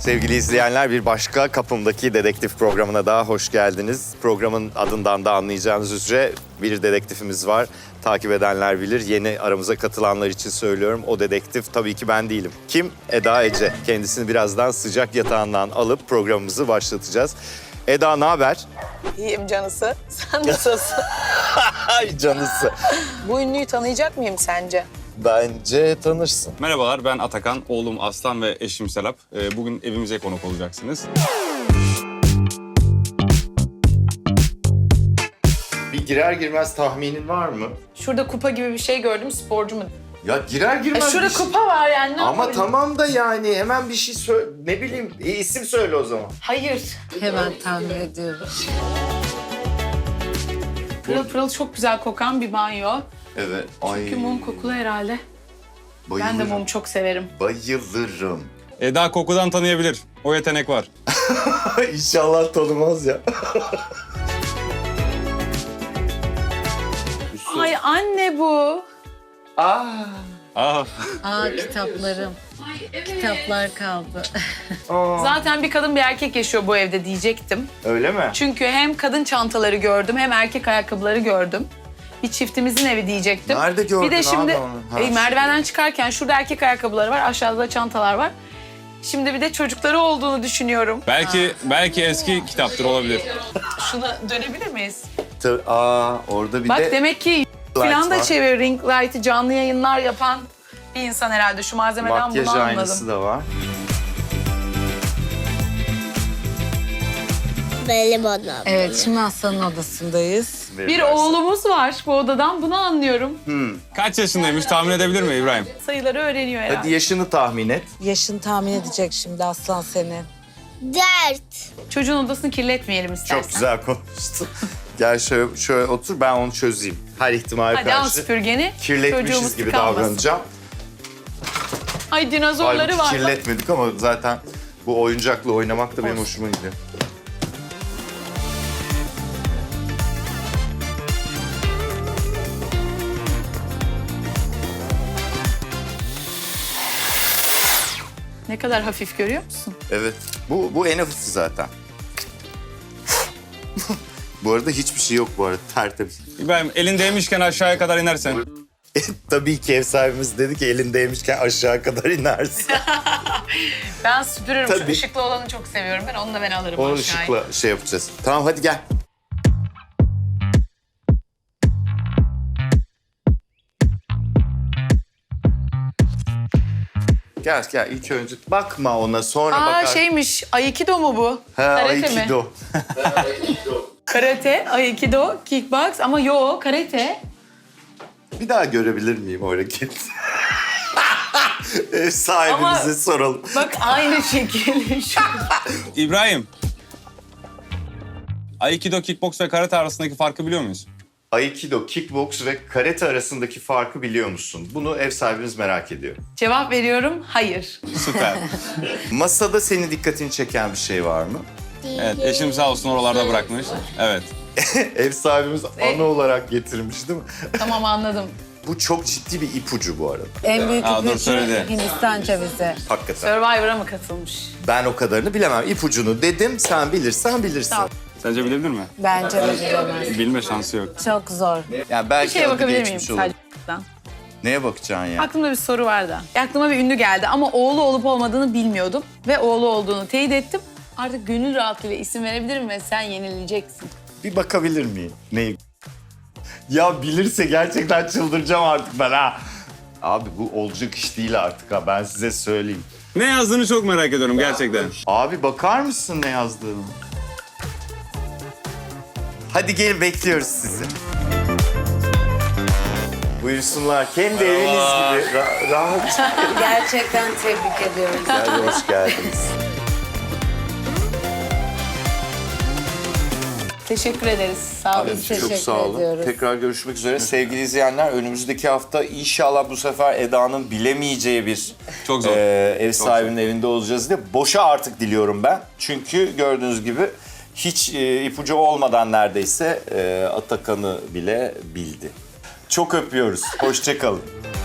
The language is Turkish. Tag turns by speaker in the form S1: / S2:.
S1: Sevgili izleyenler, bir başka Kapımdaki Dedektif programına daha hoş geldiniz. Programın adından da anlayacağınız üzere bir dedektifimiz var. Takip edenler bilir. Yeni aramıza katılanlar için söylüyorum. O dedektif tabii ki ben değilim. Kim? Eda Ece. Kendisini birazdan sıcak yatağından alıp programımızı başlatacağız. Eda, ne haber?
S2: İyiyim canısı. Sen nasılsın?
S1: Ay canısı.
S2: Bu ünlüyü tanıyacak mıyım sence?
S1: Bence tanırsın.
S3: Merhabalar, ben Atakan, oğlum Aslan ve eşim Serap. Bugün evimize konuk olacaksınız.
S1: Bir girer girmez tahminin var mı?
S2: Şurada kupa gibi bir şey gördüm, sporcu mu?
S1: Ya girer girmez
S2: Şurada
S1: bir şey-
S2: kupa var yani. Ne
S1: Ama
S2: yapabilirim?
S1: tamam da yani hemen bir şey söyle, ne bileyim, isim söyle o zaman.
S2: Hayır.
S4: Hemen tahmin ediyorum.
S2: Pırıl pırıl çok güzel kokan bir banyo.
S1: Evet.
S2: Çünkü mum kokulu herhalde.
S1: Bayılırım.
S2: Ben de mum çok severim.
S1: Bayılırım.
S3: Eda kokudan tanıyabilir. O yetenek var.
S1: İnşallah tanımaz ya.
S2: Ay anne bu.
S3: Ah,
S4: Aa kitaplarım. Kitaplar kaldı.
S2: Zaten bir kadın bir erkek yaşıyor bu evde diyecektim.
S1: Öyle mi?
S2: Çünkü hem kadın çantaları gördüm hem erkek ayakkabıları gördüm. Bir çiftimizin evi diyecektim.
S1: Nerede gördün
S2: Bir de şimdi
S1: abi onu? Ha,
S2: merdivenden çıkarken şurada erkek ayakkabıları var, aşağıda da çantalar var. Şimdi bir de çocukları olduğunu düşünüyorum.
S3: belki eski kitaptır olabilir.
S2: Şuna dönebilir miyiz?
S1: Orada bir
S2: Bak
S1: de
S2: demek ki falan da
S1: var.
S2: çeviriyor. Ring light'ı canlı yayınlar yapan bir insan herhalde. Şu malzemeden
S1: makyaj
S2: bunu
S1: aynası
S2: anladım.
S1: da var.
S5: Benim odam.
S4: Evet şimdi Aslan'ın odasındayız.
S2: Bir oğlumuz var bu odadan, bunu anlıyorum.
S3: Kaç yaşındaymış tahmin edebilir mi İbrahim?
S2: Sayıları öğreniyor herhalde.
S1: Hadi yaşını tahmin et.
S4: Yaşını tahmin edecek şimdi Aslan senin.
S5: 4.
S2: Çocuğun odasını kirletmeyelim istersen.
S1: Çok güzel konuştun. Gel şöyle otur, ben onu çözeyim. Her ihtimale
S2: Hadi al
S1: karşı
S2: süpürgeni.
S1: kirletmişiz
S2: çocuğumuz
S1: gibi
S2: tıkanmasın.
S1: davranacağım.
S2: Ay dinozorları
S1: Halbuki
S2: var.
S1: kirletmedik ama zaten bu oyuncakla oynamak da benim
S2: Olsun.
S1: hoşuma gidiyor.
S2: Ne kadar hafif görüyor musun?
S1: Evet. Bu en hafifi zaten. Bu arada hiçbir şey yok bu arada. Tertemiz.
S3: İbrahim elin değmişken aşağıya kadar inersen.
S1: Tabii ki ev sahibimiz dedi ki elindeymişken aşağı kadar inersin.
S2: Ben süpürürüm.
S1: Tabii.
S2: Şu ışıklı olanı çok seviyorum. Onu da ben alırım
S1: Onu
S2: aşağıya.
S1: ışıkla şey yapacağız. Tamam hadi gel. Gel ilk önce bakma ona sonra
S2: Aa
S1: bakar.
S2: şeymiş, Aikido mu bu?
S1: Ha,
S2: Karate mi?
S1: Aikido.
S2: Karate, Aikido, kickbox ama yo karate.
S1: Bir daha görebilir miyim o hareketi? Ev sahibimize
S2: Ama-
S1: soralım.
S2: Bak aynı şekil. Şu.
S3: İbrahim. Aikido, kickbox ve karate arasındaki farkı biliyor muyuz?
S1: Aikido, kickbox ve karate arasındaki farkı biliyor musun? Bunu ev sahibimiz merak ediyor.
S2: Cevap veriyorum, hayır.
S3: Süper.
S1: Masada senin dikkatini çeken bir şey var mı?
S3: Evet, eşim sağ olsun oralarda bırakmış. Evet.
S1: Ev sahibimiz ana olarak getirmiş değil mi?
S2: Tamam anladım.
S1: Bu çok ciddi bir ipucu bu arada.
S4: En büyük
S3: Aa, dur,
S4: ipucu
S3: söyledi.
S4: Hindistan cevizi.
S1: Hakikaten.
S2: Survivor'a mı katılmış?
S1: Ben o kadarını bilemem. İpucunu dedim, sen bilirsen bilirsin.
S2: Tamam.
S3: Sence bilebilir mi?
S4: Bence de bilemez.
S3: Bilme şansı yok.
S4: Çok zor.
S1: Yani
S2: Bir
S1: belki
S2: şeye
S1: adı
S2: bakabilir miyim
S1: geçmiş olur.
S2: sadece?
S1: Neye bakacaksın ya?
S2: Aklımda bir soru vardı. Aklıma bir ünlü geldi ama oğlu olup olmadığını bilmiyordum. Ve oğlu olduğunu teyit ettim. Artık gönül rahatlığıyla isim verebilirim ve sen yenileceksin.
S1: Bir bakabilir miyim? Neyi? Ya bilirse gerçekten çıldıracağım artık ben ha. Abi bu olacak iş değil artık ha, ben size söyleyeyim.
S3: Ne yazdığını çok merak ediyorum gerçekten.
S1: Abi bakar mısın ne yazdığını? Hadi gelin, bekliyoruz sizi. Buyursunlar, kendi eviniz gibi rahat.
S4: Gerçekten tebrik ediyorum.
S1: Gel, hoş geldiniz.
S2: Teşekkür ederiz. Sağ olun.
S4: Biz teşekkür
S1: Çok sağ olun.
S4: ediyoruz.
S1: Tekrar görüşmek üzere. Sevgili izleyenler, önümüzdeki hafta inşallah bu sefer Eda'nın bilemeyeceği bir
S3: Çok zor.
S1: ev sahibinin evinde olacağız diye. Boşa artık diliyorum ben. Çünkü gördüğünüz gibi hiç ipucu olmadan neredeyse Atakan'ı bile bildi. Çok öpüyoruz. Hoşça kalın.